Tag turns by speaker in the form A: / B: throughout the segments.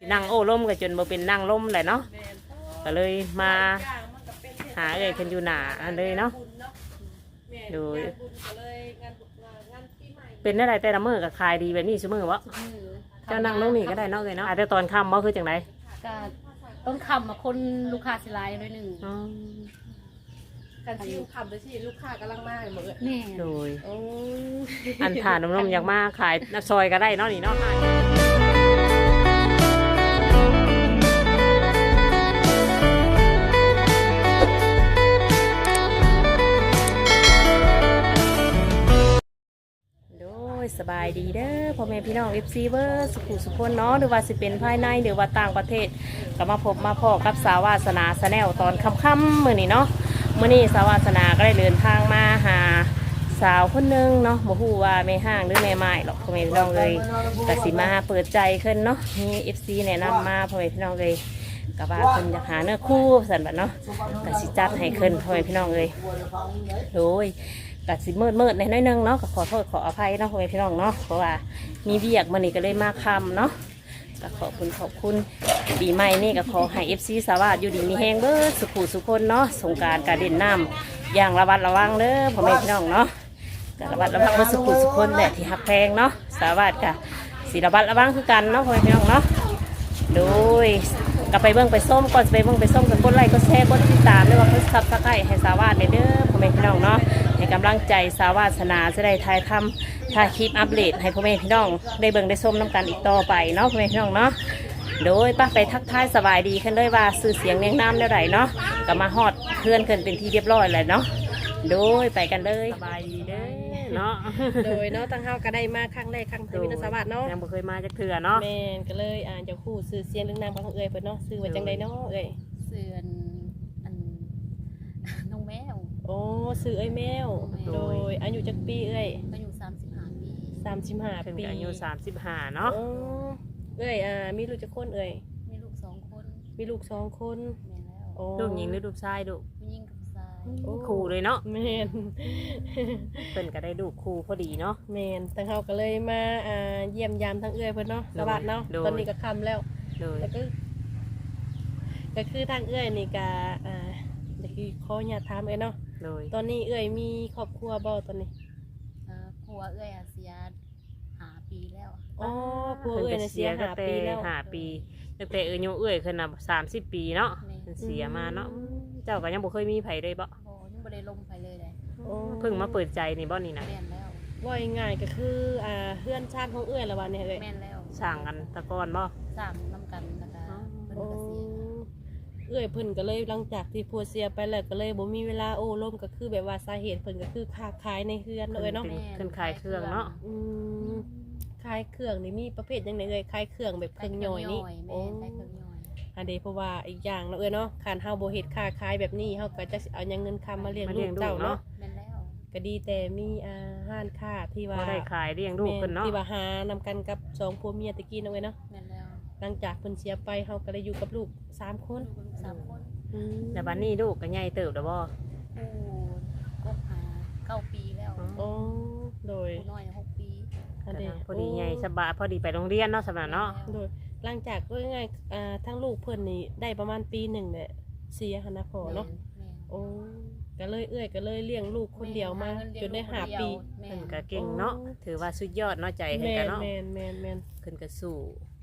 A: นั่งโอ้ล่มก็จนบ่เป็นนั่งล่มเลยเนาะก็เลยมาหาเลยกันอยู่หนาอันเลยเนาะดูเป็นอะไรแต่ละมื้อก็ขายดีแบบนี้ซุมื้อวะเจ้านั่งลงนี่ก็ได้เนาะเลยเนาะแต่ตอนค่ำบ่คือจังได
B: ก็ต้องคำมาคนลูกค้าสิไลน์ด้วยหนึ่ง
C: การที่คำโดยที่ลูกค้ากำลังมาเหมือน
B: แม่
A: โดยอันผ่านนมอยากมาขายซอยก็ได้เนาะนี่เนาะสบายดีเด้อพ่อแม่พี่น้อง FC เบอร์สุขุสุขคนเนาะหรือว่าสิเป็นภายในหรือว่าต่างประเทศก็มาพบมาพอกับสาวาสนาชาแนลตอนค่ำๆมื้อนี้เนาะมื้อนี้สาวาสนาก็ได้เดินทางมาหาสาวคนนึงเนาะบ่ฮู้ว่าแม่ห้างหรือแม่ไม้หรอกพ่อแม่พี่น้องเลยก็สิมาเปิดใจขึ้นเนาะมี FC แนะนำมาพ่อแม่พี่น้องเลยก็ว่าเพิ่นอยากหาเนื้อคู่สั่นบัดเนาะก็สิจัดให้ขึ้นพ่อแม่พี่น้องเลยโดยกัดสิมืดในน้อยนึงเนาะก็ขอโทษขออภัยเนาะพ่อแม่พี่น้องเนาะเพราะว่ามีเบียกมันนี่ก็เลยมาคำเนาะก็ขอบคุณปีใหม่นี่ก็ขอให้ FC สวัสดิ์อยู่ดีมีแห้งเบิดสุขุสุคนเนาะสงกรานต์การเด่นน้ำอย่างระมัดระวังเด้อพ่อแม่พี่น้องเนาะก็ระมัดระวังเบิดสุขุสุคนแหละที่หักแพงเนาะสวัสดิ์กับสิระมัดระวังคือกันเนาะพ่อแม่พี่น้องเนาะโดยก็ไปเบิ่งไปส้มก่อนไปเบิ่งไปส้มกันกดไลค์กดแชร์กดติดตามด้วยว่าเพิ่นซับสไครต์ให้สวัสดิ์เด้อพ่อแม่พี่น้องเนาะให้กำลังใจสาวาสนาจะได้ถ่ายทำถ่ายคลิปอัปเดตให้พ่อแม่พี่น้องได้เบิ่งได้ชมน้ำกันอีกต่อไปเนาะพ่อแม่พี่น้องเนาะโดยป้าไปทักทายสบายดีขึ้นเลยว่าสื่อเสียงเนียงน้ำเท่าไหร่เนาะก็มาฮอดเพื่อนขึ้นเป็นที่เรียบร้อยเลยเนาะโดยไปกันเลยสบายดีเด้อเนาะ
C: โดยเนาะตั้งเฮาก็ได้มาครั้งแรกครั้งที่วินสวัสดิ์เนาะ
A: ยังบ่เคยมาจากเถื่อเนาะ
C: แม่นก็เลยเจ้าคู่สื่อเสียงเรื่องนามของเอ่ยเพิ่นเนาะสื่อว่าจังไดเนาะเอ่ย
B: สื่ออันน้องแมว
C: โอ้สื่อเอ้ยแมวโดยอายุจักปีเอ่ย
B: อายุ35 ปี
C: 35 ปี
A: อายุ35เนาะ
C: เอ่ยมีลูกจักคนเอ่ย
B: มีลูก2 คน
C: มีลูก2 คน
B: แม่แล้ว
A: โอ้ลูกหญิงหรือลูกชายลูก
B: ผู้หญิงกับผู้ชาย
A: คู่เลยเนาะ
C: แม่น
A: เพิ่นก็ได้ลูกคู่พอดีเนาะ
C: แม่นตั้งเฮาก็เลยมาเยี่ยมยามทั้งเอ่ยเพิ่นเนาะสวัสดิ์เนาะตอนนี้ก็ค่ำแล้วแล้วก็คือทางเอ่ยนี่ก็จะคือขออยากถามเอ่ยเนาะตอนนี้เอ่ยมีครอบครัวบ่ตอนนี้
B: ผัวเอ่ยเสีย5 ปีแล้ว
C: อ๋อผัวเอ่ยเสีย5 ปีแล้ว
A: 5 ปีตั้งแต่อายุเอ่ยขึ้นน่ะ30 ปีเนาะเสียมาเนาะเจ้าก็ยังบ่เคยมีไผเลยบ่
B: ยังบ่ได้ลงไปเลย
A: เพิ่งมาเปิดใจนี่บ่นี่นะ
B: แม่นแล้ว
C: ว่าง่ายก็คือเพื่อนชาติของเอ่ยละวันนี้เอ่ย
B: แม่นแล้ว
A: สร้างกันตะกอนบ่
B: สร้างนำกันนะคะเพิ่นก็เสีย
C: เอ่ยเพิ่นก็เลยหลังจากที่ผัวเสียไปแล้วก็เลยบ่มีเวลาโอ้ร่มก็คือแบบว่าสาเหตุเพิ่นก็คือค้าขายในเฮือนเลยเนาะ
A: เพิ่นขายเครื่องเนาะ
C: ขายเครื่องนี่มีประเภทยังไงเอ่ยขายเครื่องแบบเครื่องย่อยนี่
B: โอ้ขายเครื่องย่อย
C: อันเดเพราะว่าอีกอย่างเนาะเนาะการเฮาบ่เฮ็ดค้าขายแบบนี้เฮาก็จะเอาเงินคำมาเลี้ยงลูกเจ้าเนาะ
B: แม่นแล้ว
C: ก็ดีแต่มีห้านค้าที่ว่า
A: ได้ขายเลี้ยงลูกเพิ่นเนาะ
C: ที่ว่าหานำกันกับ2ผัวเมียตะกี้เนาะเนาะ
B: แม่นแล้ว
C: หลังจากเพิ่นเสียไปเฮาก็ได้อยู่กับลูก3 คน
A: แต่บัดนี้ลูกก็ใหญ่เติบแล้วบ่
B: ก็9 ปีแล้ว
C: โอ้โดย
B: น้อย6 ปี
A: พอดีใหญ่สบายพอดีไปโรงเรียนเนาะสำหรับเนาะ
C: โดยหลังจากก็ง่ายทั้งลูกเพิ่นนี่ได้ประมาณปี1เนี่ยเสียหันนะพอเนาะโอ้ก็เลยก็เลยเลี้ยงลูกคนเดียวมาจนได้5 ปี
A: เพิ่นก็เก่งเนาะถือว่าสุดยอดเนาะใจเพิ่นก็เนาะ
C: แม่น
A: เพิ่นก็สู้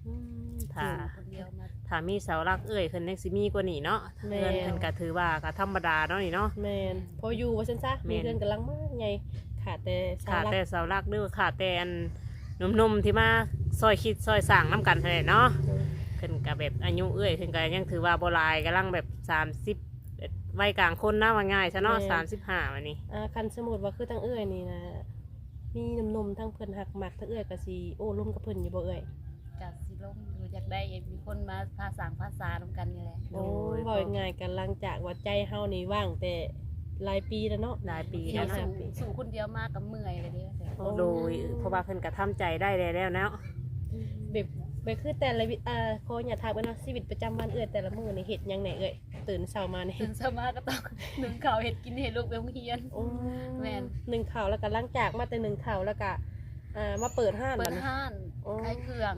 A: ถ้ามีเสาหลักเอ่ยเพิ่นยังสิมีกว่านี้เนาะเพิ่นก็ถือว่าก็ธรรมดาเนาะนี่เนาะ
C: แม่นพออยู่ว่าซั่นซะมีเงินกำลังมากไงขาดแต่เ
A: สาหลักเด้อขาดแต่อันนุ่มๆที่มาซอยคิดซอยสร้างน้ำกันเท่านั้นเนาะขึ้นกับแบบอายุเอ้ยขึ้นกับยังถือว่าโบราณกำลังแบบ30วัยกลางคนนะว่าง่ายซะเนาะ35วันนี้
C: คันสมุดว่าคือทั้งเอ้ยนี่นะมีนุ่มๆทั้งเพิ่นหักหมักทั้งเอ้ยก็สิโอ้ร่วมกับเพิ่นอยู่บ่เอ้ย
B: ก็สิลงอยู่อยากได้มีคนมาภาษานำกันนี่แหละ
C: โอ้บ่ง่ายกันหลังจากว่าใจเฮานี่ว่างแต่หลายปีแล้วเนาะ
A: หลายปีแล้วเนาะ
B: สู่คนเดียวมากับเมื่อยเลยเด้อ
A: โดยเพราะว่าเพิ่นก็ทำใจได้แล้วเนาะ
C: แบบคือแต่ละขออย่าถามว่าเนาะชีวิตประจำวันเอื้อแต่ละมื้อนี่เฮ็ดหยังแหน่เอ้ยตื่นเช้ามานี่
B: ตื่นเช้ามาก็ต้องนึ่งข้าวเฮ็ดกินให้ลูกไปโรงเรียนแม่น
C: นึ่งข้าวแล้วก็หลังจากมาแต่นึ่งข้าวแล้วก็มาเปิดห้าน
B: ขายเครื่อง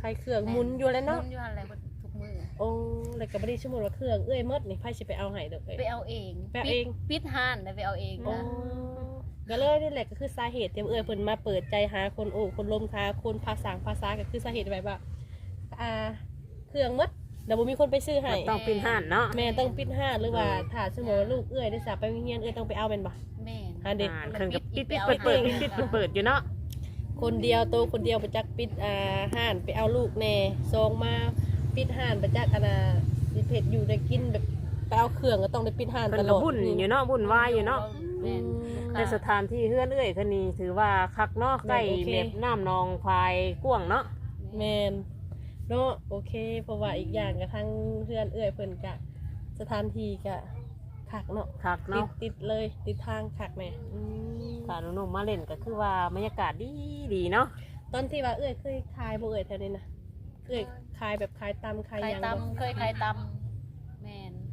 C: ขายเครื่องหมุนอยู่แล้ว
B: นุ่
C: เนาะ
B: นอยู่อะไรทุกมือ
C: โอ้แล้วก็บ่ได้สมมุติว่าเครื่องเอ้ยหมดนี่ไผสิไปเอาให้ดอกเอ้ย
B: ไปเอาเอง
C: ไปเอาเอง
B: ปิดห้านแล้วไปเอาเอง
C: โอ้
B: นะ
C: ก็เลยนี่แหละก็คือสาเหตุที่เอ้ยเพิ่นมาเปิดใจหาคนโอ้คนลมค้าคนภาษาก็คือสาเหตุแบบว่าเครื่องหมดแล้วบ่มีคนไปซื้อให้
A: มันต้องเป็นห้านเนาะ
C: แม่ต้องปิดห้านหรือว่าถ้าสมมุติว่าลูกเอ้ยได้สาไปโรงเรียนเอ้ยต้องไปเอาแม่นบ่
B: แม่น
C: หาเด็ก
A: เครื่องกับปิดเปิดปิดอยู่เนาะ
C: คนเดียวโตคนเดียวประจักปิดห้านไปเอาลูกแน่ซองมาปิดห้านประจักสิเพชรอยู่ได้กินแบบไปเอาเครื่องก็ต้องได้ปิดห้าน
A: เพิ่
C: ต
A: น
C: ล
A: ก็
C: อด
A: บุญอยู่เนาะบุญวายอยู่เนาะ
B: แม่น
A: ในสถานที่เฮือนเอ้ยคนนี้ถือว่าคักเนาะใกล้แบบน้ำนองพายกว้างเนาะ
C: แม่นเนาะโอเคเพราะว่าอีกอย่างก็ทั้งเพื่อนเอ้ยเพิ่นกะสถานที่กะคักเนาะ
A: คักเนาะ
C: ติดเลยติดทางคักแม่
A: ถ้าหนุ่มๆมาเล่นก็คือว่าบรรยากาศดีเนาะ
C: ตอนที่ว่าเอ้ยเคยขายบ่เอ้ยแถวนี้นะเอ้ยขายแบบขายตำขาย
B: ใคร
C: หยังบ่
B: ตำเคยใครตำแม่น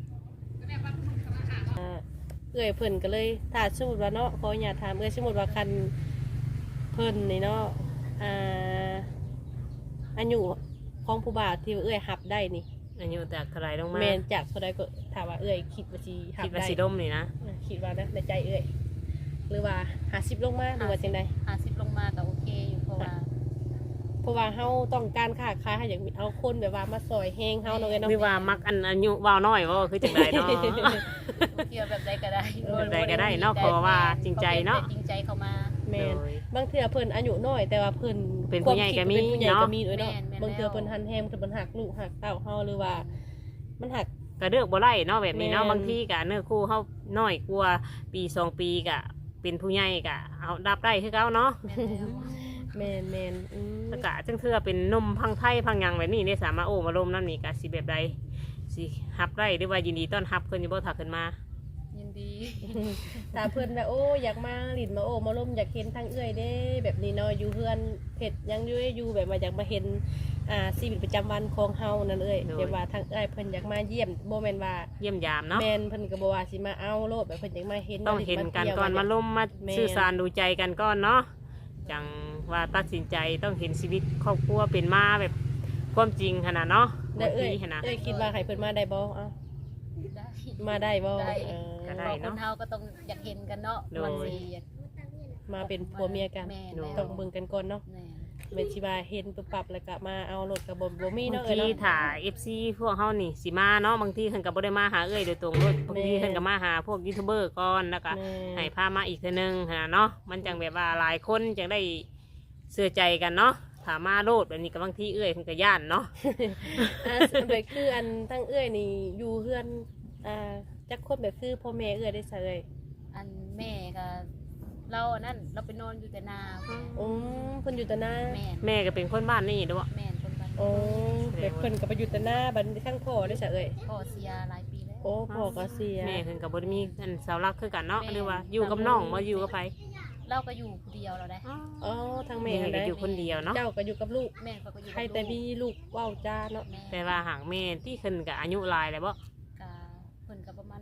C: เอ้ยเพิ่นก็เลยถ้าสมมุติว่าเนาะขออย่าตถามเอ้ยสมมุติว่าคันเพิ่นนี่เนาะอายุของผู้บ่าวที่ว่าเอ้ยหับได้นี่
A: อายุจากเท่าไหรลงมา
C: แม่นจากเท่าใดก็ถามว่าเอ้ยคิดว่าสิหับ
A: คิดว่า
C: ได้
A: สิดมนี่นะ
C: คิดว่านะในใจเอ้ยหรือว่า50ลงมาหรือว่าจังได
B: 50ลงมาก็โอเคอยู่เพราะว่า
C: เพราะว่าเฮาต้องการค้าขายให้อยากมีเอาคนแบบว่ามาซอยแฮงเฮาเนาะเอ้ยเนาะ
A: หรือว่ามักอันอายุวาวน้อยว่าคือจังไดเนาะ
B: เกี่ยวแบบใดก็ได้
A: แบบใดก็ได้เนาะเพราะว่าจริงใจเนาะ
B: จริงใจเข้ามา
C: แม่นบางเทื่อเพิ่นอายุน้อยแต่ว่าเพิ่น
A: เป็นผู้ใหญ่ก็มี
C: เป็นผู้ใหญ่
A: เนาะ
C: ก็มีด้วยเนาะ
B: แม่น
C: บางเทื่อเพิ่นหันแฮงเพิ่นหักลูกหักเต้าเฮาหรือว่า มันหัก
A: ก็เลือกบ่ได้เนาะแบบนี้เนาะ
C: แม่น
A: บางทีก็เนื้อคู่เฮาน้อยกว่าปี2 ปีก็เป็นผู้ใหญ่ก็เอารับได้คือเก่าเนาะ
B: แม่นแล้ว
C: แม่น
A: แล้วก็จังเทื่อเป็นนมพังไทยพังหยังแบบนี้ได้สามารถโอ้มาลมน้ำนี่ก็สิแบบใดสิฮับได้หรือว่ายินดีต้อนรับเพิ่นอยู่บ่ถ้าเพิ่นมา
B: ยินดี
C: ถ้าเพิ่นแบบโอ้อยากมาหลินมาโอ้มาล่มอยากเห็นทางเอื้อยเด้แบบนี้เนาะอยู่เฮือนเผ็ดยังอยู่แบบว่าอยากมาเห็นชีวิตประจำวันของเฮานั่นเอ้ยแบบว่าทางเอื้อยเพิ่นอยากมาเยี่ยมบ่แม่นว่า
A: เยี่ยมยามเนาะ
C: แม่นเพิ่นก็บ่ว่าสิมาเอาโลดแบบเพิ่นอยากมาเห็น
A: ต้องเห็นกันก่อน
C: มา
A: มา
C: เที่ยว
A: ลมมา
C: แม่น
A: สื่อสารดูใจกันก่อนเนาะจังว่าตัดสินใจต้องเห็นชีวิตครอบครัวเป็นมาแบบความจริงขนาดเนาะ
C: แล้ว
A: บาง
C: เอ้ย
A: ทีขนาด
C: เอ้ยคิดว่าให้เพิ่นมาได้บ่เอ้า
B: ได้
C: มาได้บ่
B: ได้
A: ก็ได้
B: พอคนเฮาก็ต้องอยากเห็นกันเนาะ
A: โดย
B: บางทีอยาก
C: มาเป็นผัวเมียกัน
B: แม่น
C: ต้องเบิ่งกันก่อนเนาะ
B: แม่น
C: แม่นสิว่าเห็นปุ๊บปั๊บแล้วก็มาเอารถก็บ่มี
A: บาง
C: เนาะเอ้ย
A: ที
C: เนาะ
A: ถ่า FC พวกเฮานี่สิมาเนาะบางทีเพิ่นก็บ่ได้มาหาเอ้ยโดยตรงเลยบางที
C: แม่
A: เพิ่นก็มาหาพวกยูทูบเบอร์ก่อนแล้วก็
C: แม่
A: ให้พามาอีกเทื่อนึงขนาดเนาะมันจังแบบว่าหลายคนจังได้เชื่อใจกันเนาะถ้ามาโลดแบบนี้ก็บางทีเอ้ยเพิ่นก็ย่านเนาะ
C: แบบคืออันทั้งเอ้ยนี่อยู่เฮือนจักคนแบบคือพ่อแม่เอ้ยได้ซะเอ้ย
B: อันแม่ก็เราอันนั้นเราไปนอนอยู่แต่นา
C: เพิ่นอยู่แต่หน้า
B: แม่น
A: แม่ก็เป็นคนบ้านนี่ด้วย
B: แม่นคนบ้าน
C: โอ้แบบเพิ่นก็ไปอยู่แต่หน้าบัดนี้ข้างพ่อได้ซะเอ้ย
B: พ่อเสียหลายปีแล้ว
C: โอ้พ่อก็เสีย
A: แม่เพิ่นก็บ่ได้มีอันเสาหลักคือกันเนาะ
B: แม่
A: หรือว่าอยู่กับน้องบ่อยู่กับไผ
B: เราก็อยู่คนเดียวเราได้
C: อ๋อทางแม่
A: แม่ก็
C: ได้
A: อยู่คนเดียวเนาะ
C: เจ้าก็อยู่กับลูก
B: แม่เขาก็อยู่
C: ใครแต่มีลูกเว้าจ้าเนาะ
B: แม่
A: แต่ว่าหางแม่ที่เพิ่นก็อายุหลายแล้วบ่
B: กะเพิ่นก็ประมาณ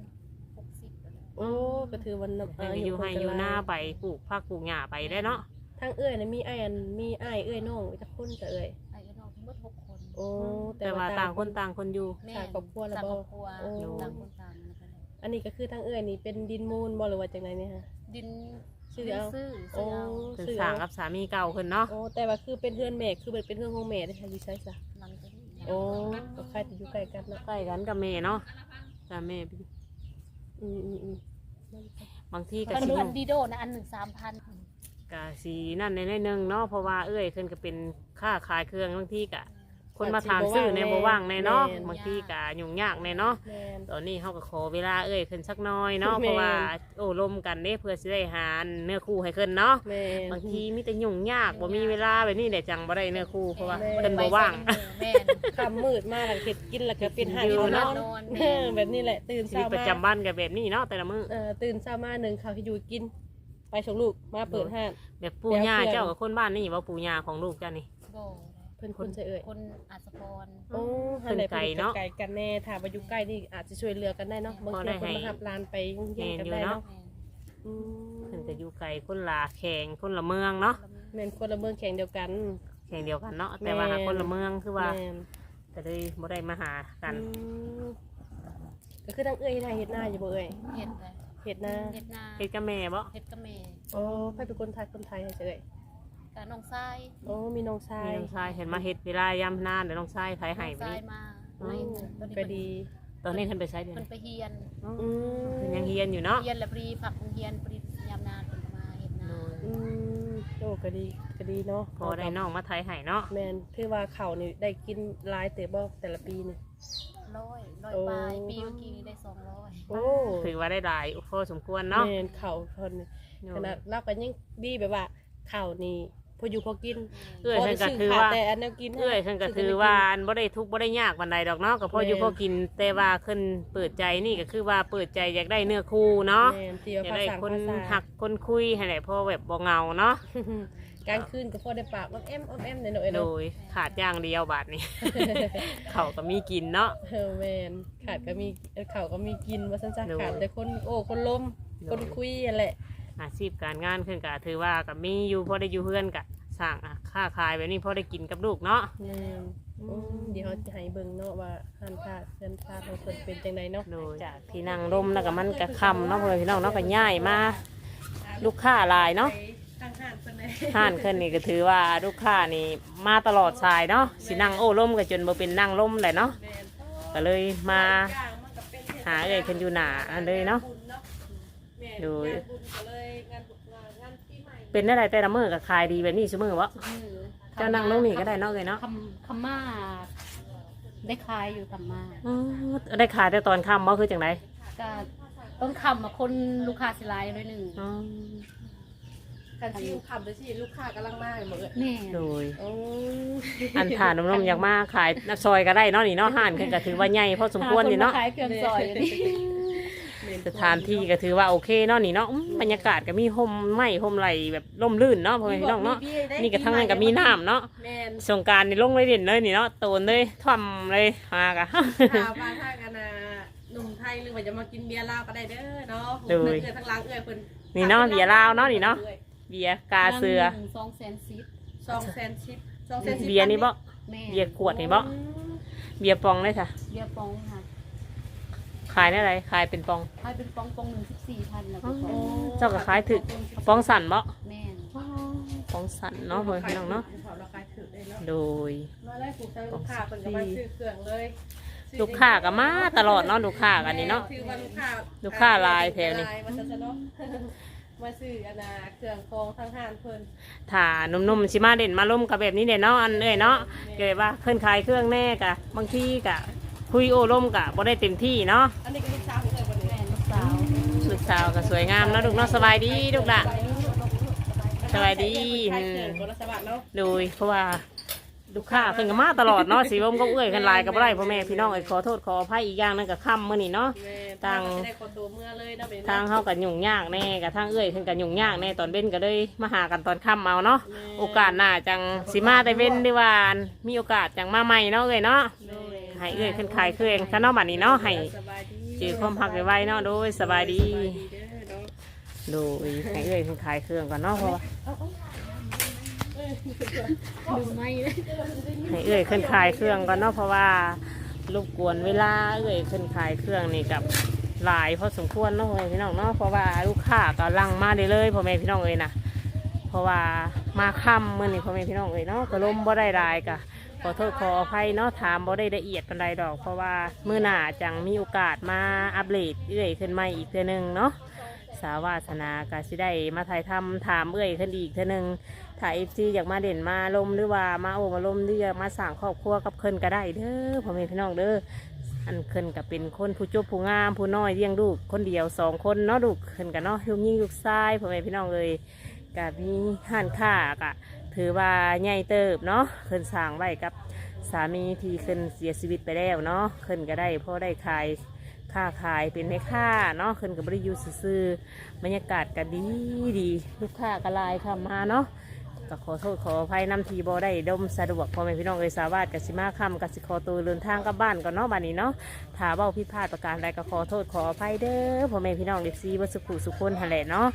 B: 60แล้วแหละ
C: โอ้ก็ถือวัน
A: เพิ่นก็อยู่ให้อยู่หน้าไปปลูกผักปลูกหญ้าไปได้เนาะ
C: ทางเอ้ยน่ะมีอ้ายเอ้ยน้องจักคนซะเอ้ย
B: อายุน้องทั้งหมด6 คน
C: โอ้
A: แต่ว่าต่างคนต่างคนอยู่
B: แม่
C: สร้างครอบครัวแล้ว
B: สร้าง
C: บ่
B: ครอบครัว
C: โอ้
B: ต่างคนต่างนะคะ
C: อันนี้ก็คือทางเอ้ยนี่เป็นดินมูลบ่หรือว่าจังไดเนี่ยฮะ
B: ดิน
C: ชื่อเอา
B: ซื้อ
C: โอ้
B: ซื้อเอา
A: เพิ่นสร้างกับสามีเก่าเพิ่นเนาะ
C: โอ้แต่ว่าคือเป็นเพื่อนแม่คือเป็นเพื่อนของแม่ได้ค่ะอยู่ไสซะ
B: หลังจากนี้
C: โอ้ก็ใครจะอยู่ใกล้กันเนาะ
A: ใกล้กันกับแม่เนาะแต่แม่
C: อืม
A: บางทีก็
B: มัน
A: สิ
B: อันดีโดนะอัน1 3,000
A: ก็สินั่นในนึงเนาะเพราะว่าเอ้ยเพิ่นก็เป็นค้าขายเครื่องบางทีก็คนมาถามซื้อในบ่ว่างในเนาะบางทีก็ยุ่งยากในเนาะ
C: แม่น
A: ตอนนี้เขาก็ขอเวลาเอ้ยขึ้นสักหน้อยเนาะ
C: แม่
A: เพราะว่าโอ้ลมกันเด้เพื่อสิได้หาเนื้อคู่ให้ขึ้นเนาะ
C: แม่น
A: บางทีมีแต่ยุ่งยากบ่มีเวลาแบบนี้แหละจังบ่ได้เนื้อคู่เพราะว่า
C: แม่
A: เพิ่นบ่ว่าง
B: แม่น
C: ค่ำมืดมาแล้วเฮ็ดกินแล้วก็เป็นหา
A: อยู่
C: ที่น
A: เนาะ
C: อน
B: นอน
C: เออแบบนี้แหละตื่น
A: ชี
C: เช้า
A: วิตประ
C: มา
A: จำวันก็แบบนี้เนาะแต่ละมื้อ
C: ตื่นเช้ามาหนึ่งข้าวที่อยู่กิน ไปส่งลูกมาเปิดห้าง
A: แบบปู่ย่าเจ้ากับคนบ้านนี่ว่าปู่ย่าของลูกเจ้านี่
B: โบ
C: เพิ่นคนใส่เอ่ย
B: คนอาสพร
C: โอ้
A: เพิ่นไกลเนาะ
C: ไกลกันแน่ถ้ามาอยู่ใกล้นี่อาจจะช่วยเหลือกันได้เนาะบาง
A: พอ
C: ที
A: ได้
C: คน
A: ให้
C: มาหับลานไปโรงเรียนกัน
A: แม่นอยู่
C: ได้
A: เนาะ
C: เนาะ
B: แม่น
C: อืม
A: เพิ่นก็อยู่ไกลคนละแข่งคนละเมืองเนาะ
C: แม่นคนละเมืองแข่งเดียวกัน
A: แข่งเดียวกันเนาะแต่ว่าหาคนละเมืองคือว่า
C: แม่น
A: ก็เลยบ่ได้มาหากัน
C: มก็คือทั้งเอ้ยได้เฮ็ดหน้าอยู่บ่เอ้ย
B: เฮ็ดเลย
C: เฮ็ดหน้า
B: เฮ็ดนา
A: เฮ็ดกับแม่บ่
B: เฮ็ดกับแม่
C: โอ้ไปเป็นคนไทยให้เฉย
B: กับน้องชาย
C: โอ้มีน้องชา
A: มี
C: ย
A: น้องชายเห็นมาเฮ็ดเวลายามนานเดี๋ยวน้องชายไผให้
B: น้อง
A: ไป
B: ชาย
A: นี่
B: มา
C: อืม
B: ตอนนี้
C: ก็ดี
A: ตอนนี้เพิ่นไปใช้เดือน
B: เพิ่นไปเฮียน
C: อืม
A: เพิ่นยังเฮียนอยู่เนาะ
B: เฮียนแล้วพอดีผักโรงเฮียนพอดียามนานเพิ่นก็มาเฮ็ดนา
C: อืมโอ้ก็ดีเนาะ
A: พอได้น้องมาไทยให้เนาะ
C: แม่นคือว่าเขานี่ได้กินหลายเติบบ่แต่ละปีนี่
B: ร้อย
C: โอ้
B: ปลายปีเมื่อกี้นี่ได้200
C: โอ้
A: ถือว่าได้หลายพอสมควรเนาะ
C: แม่นเขาเพิ่นนี่ขนาดเราก็ยังดีแบบว่าเขานี่พออยู่พอกิน
A: เอื้อยเพิ่นก็ถือว่า
C: แต่อันแนวกิน
A: เอื้อยเพิ่นก็ถือว่าอันบ่ได้ทุกข์บ่ได้ยากปานใดดอกเนาะก็พออยู่พอกินแต่ว่าเพิ่นเปิดใจนี่ก็คือว่าเปิดใจอยากได้เนื้อคู่เนาะ
C: แม่นที่
A: อ
C: ว่าย
A: าก
C: ภา
A: ได้
C: ษา
A: คน
C: ภาษา
A: หักคนคุยให้ได้พอแบบบ่เหงาเนาะ
C: กลางคืนก็พอได้ปากอ้อมแอมหน่อย
A: โด
C: เนาะ
A: ยขาดอย่างเดียวบาดนี้ เขาก็มีกินเนาะ
C: แม่นขาดก็มีเขาก็มีกินว่าซั่น
A: โดย
C: ๆขาดแต่คนโอ้คนล้ม
A: โดย
C: คนคุยนั่นแหละ
A: อาชีพการงานขึ้นก็ถือว่าก็มีอยู่พอได้อยู่เพื่อนก็สร้างค่าขายแบบนี้พอได้กินกับลูกเนาะ
C: แม่นเดี๋ยวเราจะให้เบิ่งเนาะว่าหันค่าเงินค่าของเพิ่นเป็นจังไดเนาะ
A: โดยจากที่นั่งร่มแล้วก็มันก็ค่ำเนาะเพื่อนพี่น้องเนาะก็ย่ายมาลูกค้าหลายเนาะ
C: ทางห้านเพิ่นเลย
A: ห้านขึ้นนี่ก็ถือว่าลูกค้านี่มาตลอดสายเนาะสินั่งโอ้ร่มก็จนบ่เป็นนั่งร่มเลยเนาะ
C: แม่น
A: ก็เลยมา
C: ย่างมันก็เป็นเทศกล
A: หาเอ้ยขึ้นอยู่หนาอันเลยเนาะ
C: บุญเนาะแม่น
A: โดย
C: งานบุญก็เลยงานปีใหม่
A: เป็นได้ไรแต่ละมื้อก็ขายดีแบบนี้ซุมื้อวะ
B: มือ
A: เจ้านั่งลงนี่ก็ได้เนาะเลยเนาะ
B: คำมาได้ขายอยู่คำมา
A: อ๋อได้ขายแต่ตอนค่ำบ่คือจังได
B: ก็ต้องคำมาคนลูกค้าสิหลายหน่อยหนึง
A: อ๋อ
C: กันที่คำเลยที่ลูกค้ากำลังมาเหมือน
B: แม่
A: โดย
C: โอ้
A: อันผ่านนมๆอยากมาขายนักซอยก็ได้เนาะนี่เนาะห้านขึ้นก็ถือว่าใหญ่พอสมควรนี่เนาะ
B: ขายเครื่องซอยอยู่นี่
A: สถานที่ก็ถือว่าโอเคเนาะนี่เนาะบรรยากาศก็มีห่มไม้ห่มไหลแบบร่มรื่นเนาะพ่อแม่พี่น้องเนาะนี่ก็ทั้งนั้นก็มีน้ำเนาะ
C: แม่น
A: สงกรารนี่ลงเลยเด่นเลยนี่เนาะโตนเลยท่อมเลยมากะ
C: ถามว่าถ้ากันนะหนุ่มไทยหรือว่าจะมากินเบียร์ลาวก็ได้เด้อเนาะ
A: โดย
C: เอื้อทั้งหล้างเอื้อเพิ่น
A: นี่เนาะเบียร์ลาวเนาะนี่เนาะเบียร์กาเสือ
B: 200,000
C: 200,000 200,000
A: เบียร์นี่บ่
B: แม่
A: เบียร์ขวดนี่บ่เบียร์ปองเลยค่ะ
B: เบียร์ปองค่ะ
A: ขายได้ไรขายเป็นปอง
B: ขายเป็นปองหนึ่ง14,000แล้วก็
A: อ๋อ เจ้าก็ขายถึกปองสั่นบ่
B: แม่น
A: ปองสั่นเนาะพ่อแม่พี่น้องเนาะ
C: ราคาถือเลยเนาะ
A: โดย
C: มาไล่ปลูกใจลูกค้าเพิ่นก็มาซื้อเครื่องเลย
A: ลูกค้าก็มาตลอดเนาะลูกค้ากันนี่เนาะ
C: ถือว่าลูกค้า
A: ลูกค้าหลายแถวนี้
C: หลายว่าซั่นซะเนาะ มาซื้ออันน่ะเครื่องกรองทางห้านเพิ่น
A: ถ้าหนุ่มๆสิมาเด่นมาล่มกับแบบนี้เด่นเนาะอันเอ้ยเนาะเกิดว่าเพิ่นขายเครื่องแน่กะบางทีกะคุยโอ้ล่มกะบ่ได้เต็มที่เนาะ
C: อันนี้ก็ลูกสาวเพิ่นบ่ได้
B: แม่นลูกสาว
A: ลูกสาวก็สวยงามเนาะลูกเนาะสบายดีลูกละสบายดี
C: ขายเครื่องคนละสวัสดิ์เนาะ
A: โดยเพราะว่าลูกค้าเพิ่นก็มาตลอดเนาะสีลมก็เอื้อยกันหลายก็บ่ได้พ่อแม่พี่น้องเอ้ยขอโทษขออภัยอีกอย่างหนึงก็ค่ำมื้อนี้เนาะ
C: แม่
A: ต่าง
C: จะได้คนตัวเมื่อเลยเนาะเป็น
A: ทางเฮาก็ยุ่งยากแน่กับทางเอื้อยเพิ่นก็ยุ่งยากแน่ตอนเว้นก็เลยมาหากันตอนค่ำเอาเนาะโอกาสหน้าจังสิมาได้เว้นดีว่ามีโอกาสจังมาใหม่เนาะเอ้ยเนาะให้เอื้อยขึ้นขายเครื่องซะเนาะบัดนี้เนาะให้
C: สบายดี
A: เจอความพักไว้เนาะโดยสบายดี
C: สบายดีเด้อเนาะ
A: โดยให้เอื้อยขึ้นขายเครื่องก่อนเนาะเพราะว่า
B: ลืมไม่เลย
A: ให้เอื้อยขึ้นขายเครื่องก่อนเนาะเพราะว่ารบกวนเวลาเอื้อยขึ้นขายเครื่องนี่กับหลายพอสมควรเนาะพ่อแม่พี่น้องเนาะเพราะว่าลูกค้าก็ลังมาได้เลยพ่อแม่พี่น้องเอ้ยนะเพราะว่ามาค่ำมื้อนี้พ่อแม่พี่น้องเอ้ยเนาะก็ลมบ่ได้รายกะขอโทษขออภัยเนาะถามบ่ได้ละเอียดปานใดดอก เพราะว่ามื้อหน้าจังมีโอกาสมาอัปเดตเอื้อยขึ้นใหม่อีกเทื่อนึงเนาะสาวาสนาก็สิได้มาถ่ายทำถามเอื้อยขึ้นอีกเทื่อนึง ถ้าเอฟซีอยากมาเด่นมาลมหรือว่ามาโอมาลมหรืออยากมาสั่งครอบครัวกับเคินก็ได้เด้อพ่อแม่พี่น้องเด้ออันเคินก็เป็นคนผู้จบผู้งามผู้น้อยเลี้ยงลูกคนเดียว2 คนเนาะลูกเคินกันเนาะลูกยิ่งลูกชายพ่อแม่พี่น้องเลยกับมีห้านค้ากะถือว่าใหญ่เติบเนาะเคินสั่งไว้กับสามีที่เคินเสียชีวิตไปแล้วเนาะเคินก็ได้พอได้ขายค้าขายเป็นแม่ค้าเนาะเคินกับบริยูซื่อๆบรรยากาศก็ดีดีลูกค้าก็หลายค่ะมาเนาะ ก็ขอโทษขออภัยนำทีบอได้ดมสะดวกพ่อแม่พี่น้องเอยสาวาสกสิมาคำกสิขอตัวเดินทางกลับบ้านก่อนเนาะบ้านนี้เนาะถ้าเบ้าผิดพลาดประการใดก็ขอโทษขออภัยเด้อพ่อแม่พี่น้องเด็กซีวัสุขุสุคนหันแหละเนาะส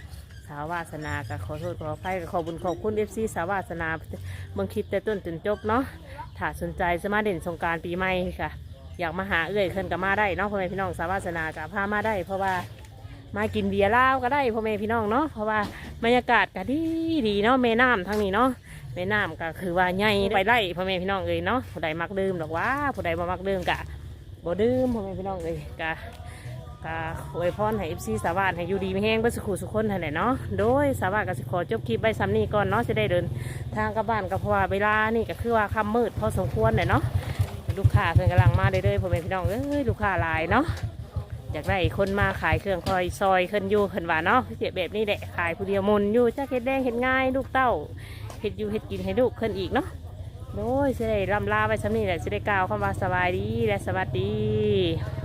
A: าววาสนาก็ขอโทษขออภัยก็ขอบุญขอบคุณFC สาววาสนาเบิ่งคลิปแต่ต้นจนจบเนาะถ้าสนใจจะมาเด่นสงกรานต์ปีใหม่ค่ะอยากมาหาเอื้อยเพิ่นก็มาได้เนาะพ่อแม่พี่น้องสาววาสนาก็พามาได้เพราะว่ามากินเบียร์เหล้าก็ได้พ่อแม่พี่น้องเนาะเพราะว่าบรรยากาศก็ดีดีเนาะแม่น้ำทั้งนี้เนาะแม่น้ำก็คือว่าใหญ่ไปไล่พ่อแม่พี่น้องเนาะผู้ใดมักดื่มหรอกว่าผู้ใดบ่มักดื่มกะบ่ดื่มพ่อแม่พี่น้องกะอวยพรให้ FC สาวาสให้อยู่ดีไม่แห้งเบ่สุขสุขคนนั่นแหละเนาะโดยสาวาสก็สิขอจบคลิปไว้ซ้ำนี้ก่อนเนาะจะได้เดินทางกลับบ้านก็เพราะว่าเวลานี่ก็คือว่าค่ำมืดพอสมควรเลยเนาะลูกค้าเพิ่นกำลังมาเรื่อยๆพ่อแม่พี่น้องลูกค้าหลายเนาะอยากได้คนมาขายเครื่องคอยซอยขึ้นอยู่ขึ้นว่าเนาะเสียแบบนี้แหละขายผู้เดียวมุนอยู่จ้าเฮ็ดแดงเฮ็ดง่ายลูกเต้าเฮ็ดอยู่เฮ็ดกินให้ลูกขึ้นอีกเนาะโดยจะได้ลำลาไว้ซ้ำนี้แหละจะได้กล่าวคำว่าสบายดีและสวัสดี